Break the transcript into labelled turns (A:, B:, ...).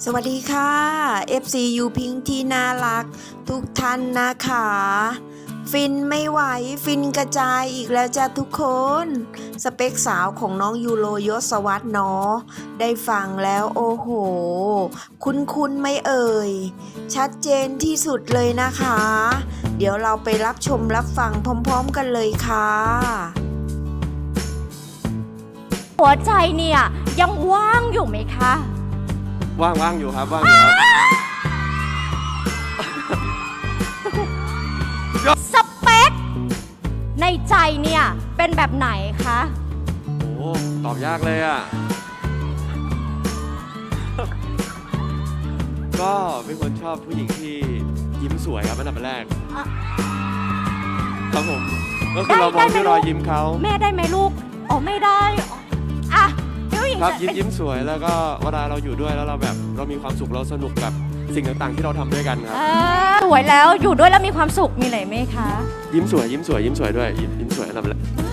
A: สวัสดีค่ะ FC ยูพิงที่น่ารักทุกท่านนะคะฟินไม่ไหวฟินกระจายอีกแล้วจ้ะทุกคนสเปคสาวของน้องยูโรยศวรรษเนาะได้ฟังแล้วโอ้โหคุ้นๆไม่เอ่ยชัดเจนที่สุดเลยนะคะ เดี๋ยวเราไปรับชมรับฟังพร้อมๆกันเลยค่ะ
B: หัวใจเนี่ยยังว่างอยู่ไหมคะ
C: ว่างอยู่ครับว่างอยู่ครับ
B: สเปคในใจเนี่ยเป็นแบบไหนคะ
C: โอ้ตอบยากเลยอ่ะ ก็เป็นคนชอบผู้หญิงที่ยิ้มสวยครับอันดับแรกครับผมก็คือเรามองที่รอยยิ้มเขา
B: แม่ได้ไหมลูกอ๋อไม่ได้อ่ะผู้หญิง
C: ครับยิ้มสวยแล้วก็เวลาเราอยู่ด้วยแล้วเรามีความสุขเราสนุกกับสิ่งต่างๆที่เราทำด้วยกันครับ
B: สวยแล้วอยู่ด้วยแล้วมีความสุขมีอะไรไหมคะ
C: ยิ้มสวยด้วยยิ้มสวยอันดับแรก